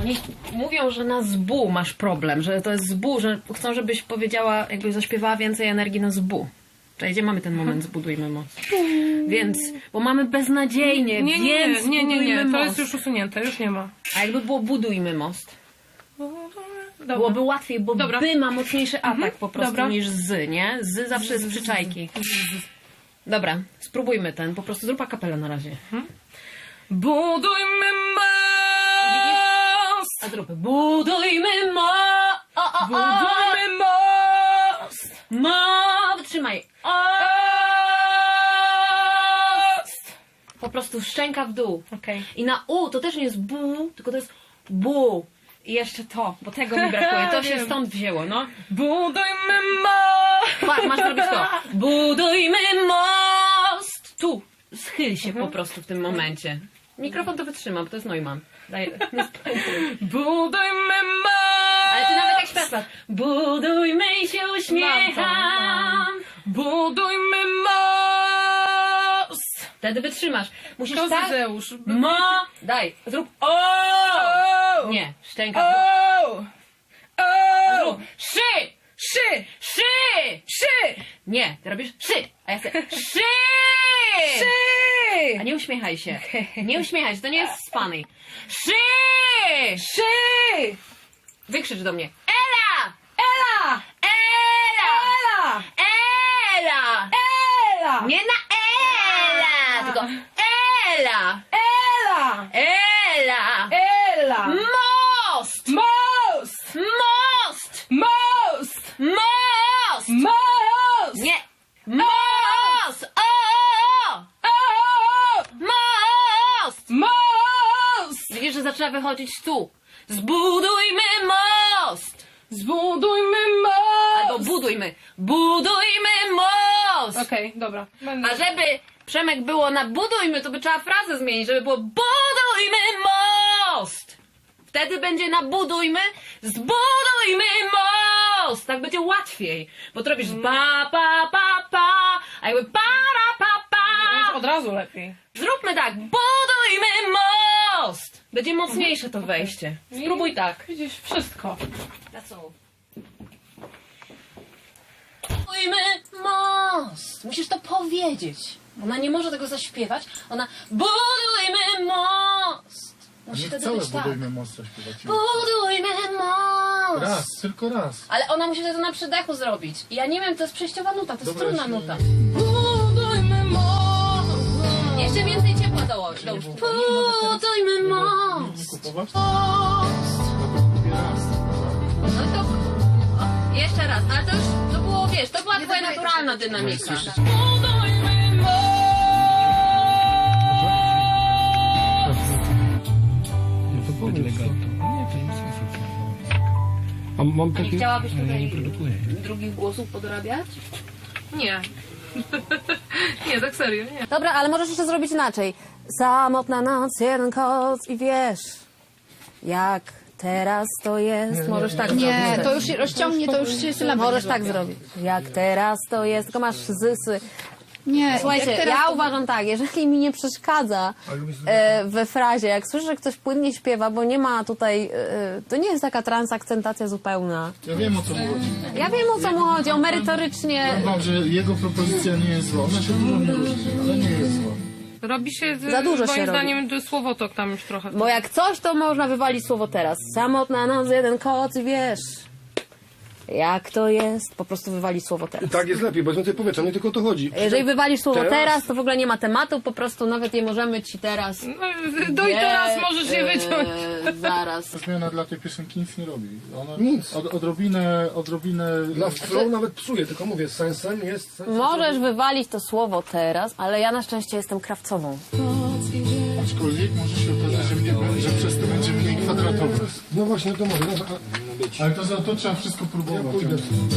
Oni mówią, że na zbu masz problem, że to jest zbu, że chcą, żebyś powiedziała, jakbyś zaśpiewała więcej energii na zbu. Czyli gdzie mamy ten moment, zbudujmy most. Więc, bo mamy beznadziejnie, więc nie, most. to jest już usunięte, już nie ma. A jakby było budujmy most? Byłoby łatwiej, bo by ma mocniejszy atak po prostu niż z, nie? Z zawsze jest przyczajki. Dobra, spróbujmy ten, po prostu zrób akapelę na razie. Budujmy most! A zróbmy budujmy most! Budujmy most! Wytrzymaj. Po prostu szczęka w dół. Okej. I na U to też nie jest bu, tylko to jest bu. I jeszcze to, bo tego mi brakuje. To się stąd wzięło, no. Budujmy most! Patrz, masz zrobić to. Budujmy most! Tu, schyl się po prostu w tym momencie. Mikrofon to wytrzyma, bo to jest Neumann. Daj, nie spojrzyj. Budujmy most! Ale ty nawet jak śpiewasz. Budujmy i się uśmiecham. Budujmy most! Wtedy wytrzymasz. Musisz tak... Kozeusz. Daj, zrób Nie, szczęka. Zrób szy! Nie, ty robisz szy! A ja chcę szy! A nie uśmiechaj się. Nie uśmiechaj się, to nie jest funny. Szy! Wykrzycz do mnie. Ela! Nie na Ela! Tylko Ela! Most! Nie! Most! Most! Widzisz, że zaczyna wychodzić tu. Zbudujmy most! Albo budujmy. Budujmy most! Okej, dobra. A żeby, Przemek, było na budujmy, to by trzeba frazę zmienić, żeby było budujmy most! Wtedy będzie na budujmy, zbudujmy most! Tak będzie łatwiej, bo to robisz a jakby Już od razu lepiej. Zróbmy tak, budujmy most! Będzie mocniejsze to wejście. Spróbuj tak. Widzisz, wszystko. That's all. Budujmy most! Musisz to powiedzieć. Ona nie może tego zaśpiewać. Ona budujmy most! Musi Nie wtedy całe być tak. budujmy most śpiewać. Budujmy most! Raz, tylko raz. Ale ona musi to na przydechu zrobić. I ja nie wiem, to jest przejściowa nuta, to jest Dobra, trudna jeśli- nuta. Budujmy most! Jeszcze więcej ciepła dołóż. Budujmy most! Kupować? Most! Kupię raz. No to... O, jeszcze raz, ale to już to było, wiesz, to była twoja naturalna dynamika. Budujmy most! No to było legato. Nie, to nie sensu. A mam takie... Chciałabyś Ja nie tutaj produkuję. drugich głosów podorabiać? Nie. Nie, tak serio, nie. Dobra, ale możesz jeszcze zrobić inaczej. Samotna noc, jeden koc i wiesz, jak teraz to jest. Możesz tak zrobić. Nie, to już się rozciągnie, to już się sylaby Możesz nie tak złapią. zrobić. Jak teraz to jest, tylko masz zysy. Nie, Słuchajcie, jak teraz ja to- uważam tak, jeżeli mi nie przeszkadza we frazie, jak słyszę, że ktoś płynnie śpiewa, bo nie ma tutaj, to nie jest taka transakcentacja zupełna. Ja wiem, o co mu chodzi. Ja wiem, o co mu chodzi, o merytorycznie. Powiem wam, że jego propozycja nie jest zła. Ona się dużo nie różni, ale nie jest zła. Robi się, Za dużo moim się robi. zdaniem, słowotok tam już trochę. Bo jak coś, to można wywalić słowo teraz. Samotna noc, jeden koc i wiesz, jak to jest, po prostu wywalić słowo teraz. Tak jest lepiej, bo jest więcej powietrza, nie tylko o to chodzi. Jeżeli wywalisz słowo Teraz? teraz, to w ogóle nie ma tematu, po prostu nawet nie możemy ci teraz... No i teraz możesz je wyciąć. Zaraz. Zmiana dla tej piosenki nic nie robi. Ona Nic. odrobinę... Dla flow nawet psuje, tylko mówię, sensem jest... Sensem Możesz wywalić to słowo teraz, ale ja na szczęście jestem krawcową. Aczkolwiek może się okazać, że przez to będzie mniej kwadratowe. No właśnie, to może być. Ale to trzeba wszystko próbować. Pójdę.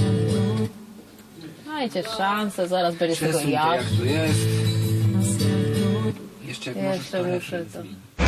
Dajcie szansę, zaraz będzie z tego Przesuń to jak. jak to jest. Jeszcze jak możesz Jeszcze to muszę lepiej to. zrobić.